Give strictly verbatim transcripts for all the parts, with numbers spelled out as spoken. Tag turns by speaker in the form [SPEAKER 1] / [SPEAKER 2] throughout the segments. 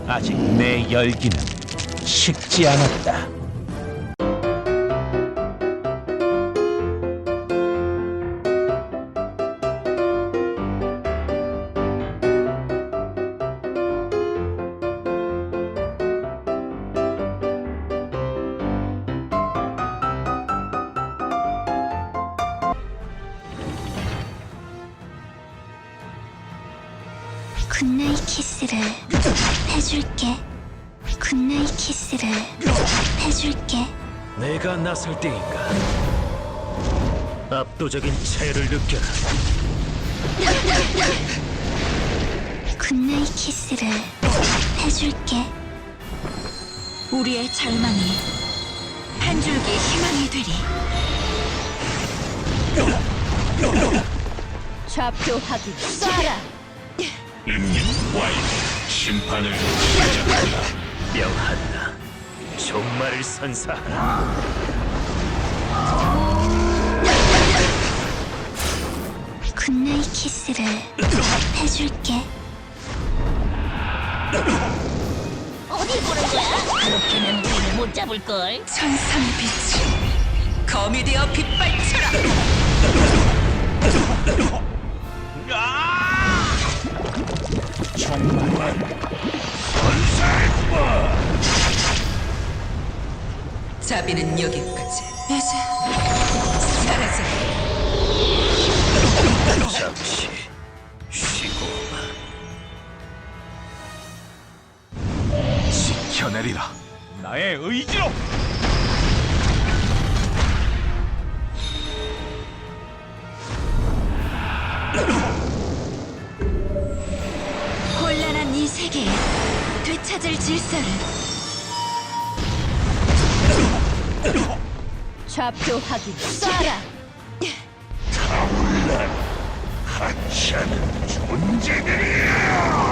[SPEAKER 1] 아직 내 열기는 식지 않았다.
[SPEAKER 2] 굿나잇 키스를 해줄게. 굿나잇 키스를 해줄게.
[SPEAKER 3] 내가 나설 때인가? 압도적인 차이를 느껴라.
[SPEAKER 2] 굿나잇 키스를 해줄게.
[SPEAKER 4] 우리의 절망이 한 줄기 희망이 되리.
[SPEAKER 5] 좌표 확인. 쏴라.
[SPEAKER 3] 임님 와인 심판을 시작한다. 명한다. 종말을 선사하라.
[SPEAKER 2] 굿나잇 키스를 해줄게.
[SPEAKER 5] 어디 보는 거야? 그렇게는 우리를 못 잡을걸.
[SPEAKER 4] 천상의 빛이 검이 되어 빛발쳐라.
[SPEAKER 1] 정말
[SPEAKER 4] 자비는 여기까지. 이제 사라져.
[SPEAKER 3] 잠시 쉬고
[SPEAKER 1] 지켜내리라. 나의 의지로.
[SPEAKER 4] 혼란한 이 세계에 되찾을 질서를.
[SPEAKER 5] 좌표 확인. 쏴라.
[SPEAKER 1] 하찮은 존재들이야.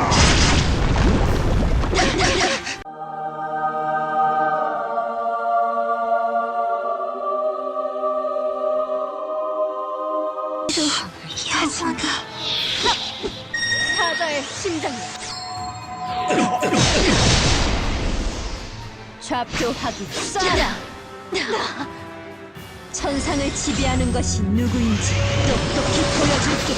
[SPEAKER 2] 여전히
[SPEAKER 5] 사자의 심장이. 좌표 확인. 쏴라. 천상을 지배하는 것이 누구인지 똑똑히 보여줄게.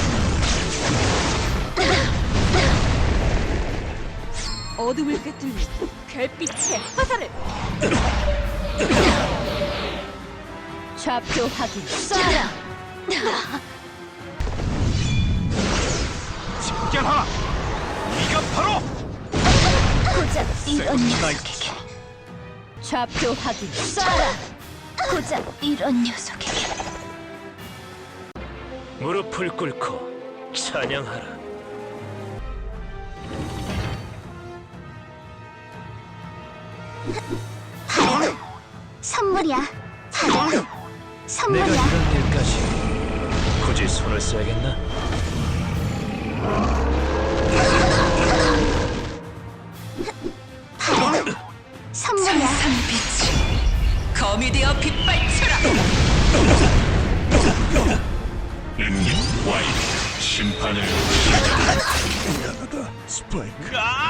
[SPEAKER 5] 어둠을 꿰뚫는 별빛의 화살을. 좌표 확인. 쏴라.
[SPEAKER 1] 집결하라. 네가 바로
[SPEAKER 5] 고작 이런
[SPEAKER 1] 나이트.
[SPEAKER 5] 녀석에게. 좌표 확인. 쏴라. 고작 이런 녀석에게.
[SPEAKER 3] 무릎을 꿇고 찬양하라.
[SPEAKER 2] 받아. 선물이야. 받아.
[SPEAKER 3] 내가
[SPEAKER 2] 선물이야.
[SPEAKER 3] 이런 일까지 굳이 손을 써야겠나?
[SPEAKER 2] 받아. 선물이야.
[SPEAKER 4] 천상의 빛이 검이 되어 빛발쳐라.
[SPEAKER 3] 임님 와인 심판을
[SPEAKER 1] 미안하다, 스파이크.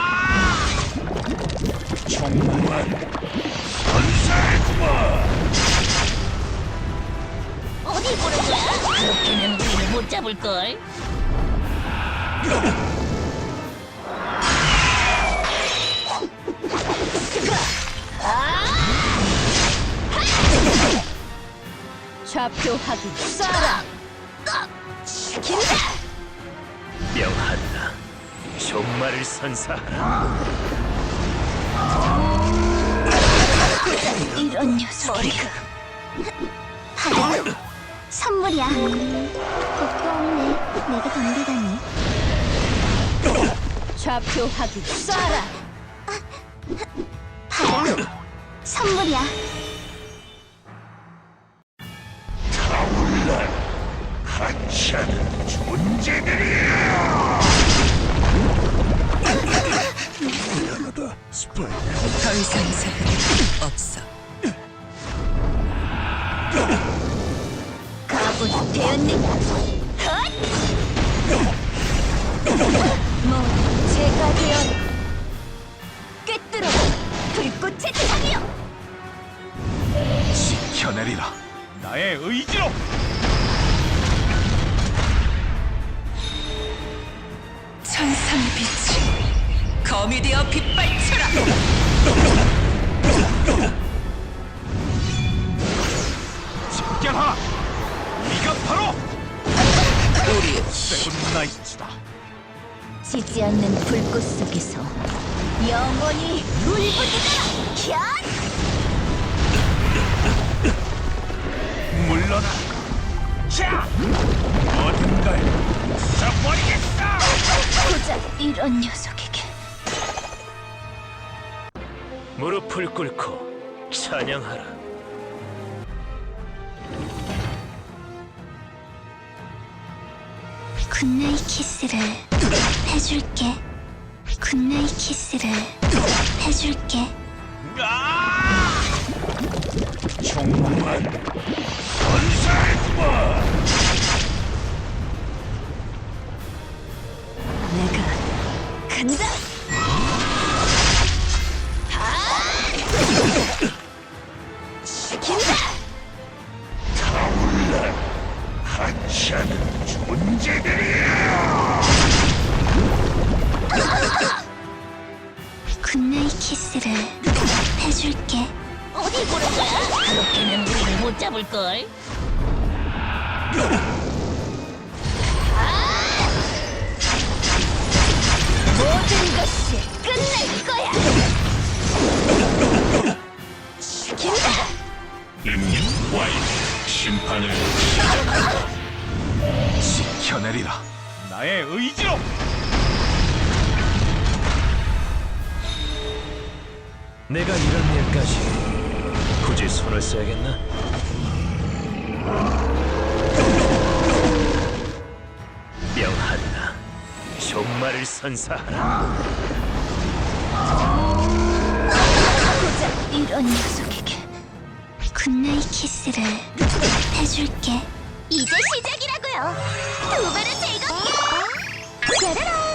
[SPEAKER 1] 정말 선사했구만.
[SPEAKER 5] 어디 보는 거야? 그렇게는 우리를 못 잡을걸. 좌표 확인. 쏴라. 죽인다.
[SPEAKER 3] 명한다. 종말을 선사하라.
[SPEAKER 2] 이런 녀석이가. 받아. 선물이야. 겁도 없네. 내가 덤비다니.
[SPEAKER 5] 좌표 확인. 쏴라.
[SPEAKER 2] 받아. 선물이야.
[SPEAKER 1] 하찮은 존재들이야. 미안하다, 스파이크.
[SPEAKER 4] 더 이상 사랑이 없어.
[SPEAKER 5] 가군 되었느냐? 헛! 뭐 제가 되었.
[SPEAKER 1] 나의 의지로.
[SPEAKER 4] 천상의 빛이 검이 되어 빛발쳐라.
[SPEAKER 1] 집결하라. 네가 바로
[SPEAKER 4] 우리의
[SPEAKER 1] 세븐나이츠다.
[SPEAKER 2] 지지 않는 불꽃 속에서 영원히 울부짖어라. 캬!
[SPEAKER 1] 물러나. 자, 어딘가에 부숴버리겠어.
[SPEAKER 2] 고작 이런 녀석에게
[SPEAKER 3] 무릎을 꿇고 찬양하라.
[SPEAKER 2] 굿나잇 키스를 해줄게. 굿나잇 키스를 해줄게.
[SPEAKER 1] 아! 정말 선사했구만.
[SPEAKER 2] 내가 간다.
[SPEAKER 1] 하찮은 존재들이야.
[SPEAKER 2] 굿나잇 키스를 해줄게.
[SPEAKER 5] 어디 보는 거야? 그렇게는 우리를 못 잡을걸.
[SPEAKER 2] 모든 것이 끝낼 거야. 죽인다.
[SPEAKER 1] 임님 와인 심판을 지켜내리라. 나의 의지로.
[SPEAKER 3] 내가 이런 일까지 굳이 손을 써야겠나? 명한나, 종말을 선사하라.
[SPEAKER 2] 고작 이런 녀석에게 굿나잇 키스를 해줄게. 이제 시작이라고요. 두 배로 즐겁게. 짜라란.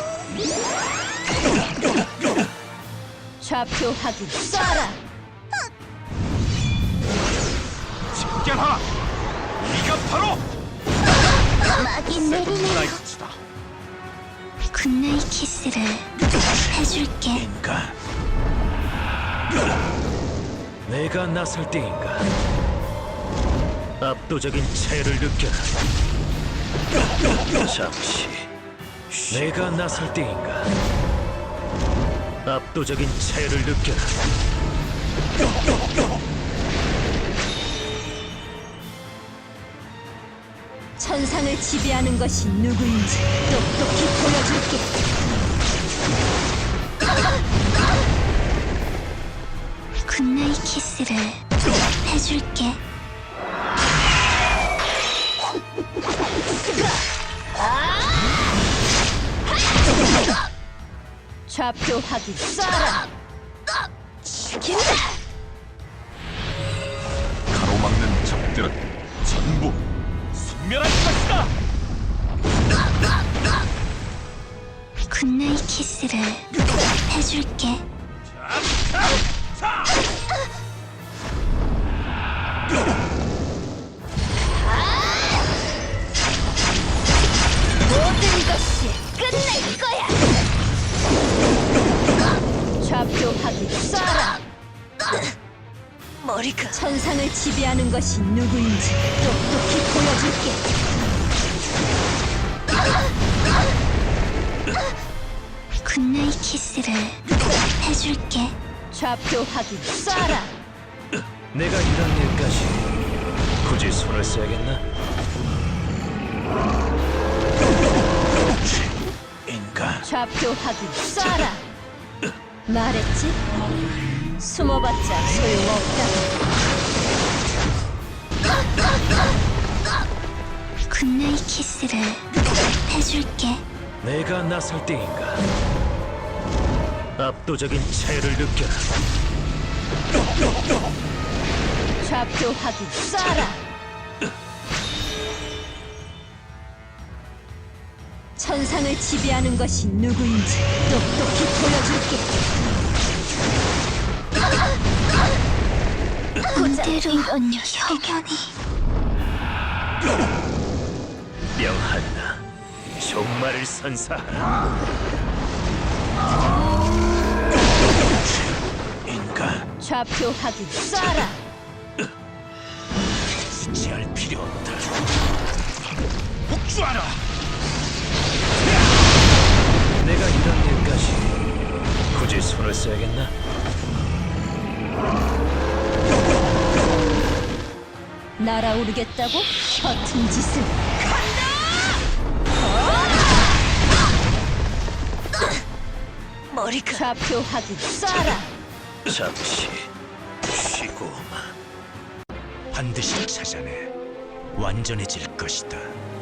[SPEAKER 2] 좌표 확인. 쏴라.
[SPEAKER 1] 집결하라. 네가 바로
[SPEAKER 2] 막이 내리네요.
[SPEAKER 1] 세븐나이츠다.
[SPEAKER 2] 굿나잇 키스를 해줄게.
[SPEAKER 1] 인간.
[SPEAKER 3] 내가 나설 때인가? 압도적인 차이를 느껴라. 잠시. 내가 나설 때인가? 압도적인 차이를 느껴라.
[SPEAKER 2] 천상을 지배하는 것이 누구인지 똑똑히 보여줄게. 굿나잇 키스를 해줄게. 좌표 확인. 쏴라. 죽인다.
[SPEAKER 1] 가로막는 적들은 전부 소멸할 것이다.
[SPEAKER 2] 굿나잇 키스를 해줄게. 모든 것이 끝낼 거야. 좌표 확인. 쏴라.
[SPEAKER 4] 머리가
[SPEAKER 2] 천상을 지배하는 것이 누구인지 똑똑히 보여줄게. 굿나잇 키스를 해줄게. 좌표 확인. 쏴라.
[SPEAKER 3] 내가 이런 일까지 굳이 손을 써야겠나?
[SPEAKER 1] 인간.
[SPEAKER 2] 좌표 확인. 쏴라. 말했지? 숨어봤자 소용없다. 굿나잇 키스를 해줄게.
[SPEAKER 3] 내가 나설 때인가? 압도적인 차이를 느껴라.
[SPEAKER 2] 좌표 확인. 쏴라. 천상을 지배하는 것이 누구인지 똑똑히 보여줄게. 고작 이런 녀석.
[SPEAKER 3] 명한나, 종말을 선사하라. 인간,
[SPEAKER 2] 좌표 확인. 쏴라.
[SPEAKER 3] 수치할 필요 없다. 복수하라. 내가 이런 일까지 굳이 손을 써야겠나?
[SPEAKER 2] 날아오르겠다고? 허튼 짓을.
[SPEAKER 4] 머리가
[SPEAKER 2] 좌표 확인. 쏴라.
[SPEAKER 3] 잠시 쉬고
[SPEAKER 1] 반드시 찾아내 완전해질 것이다.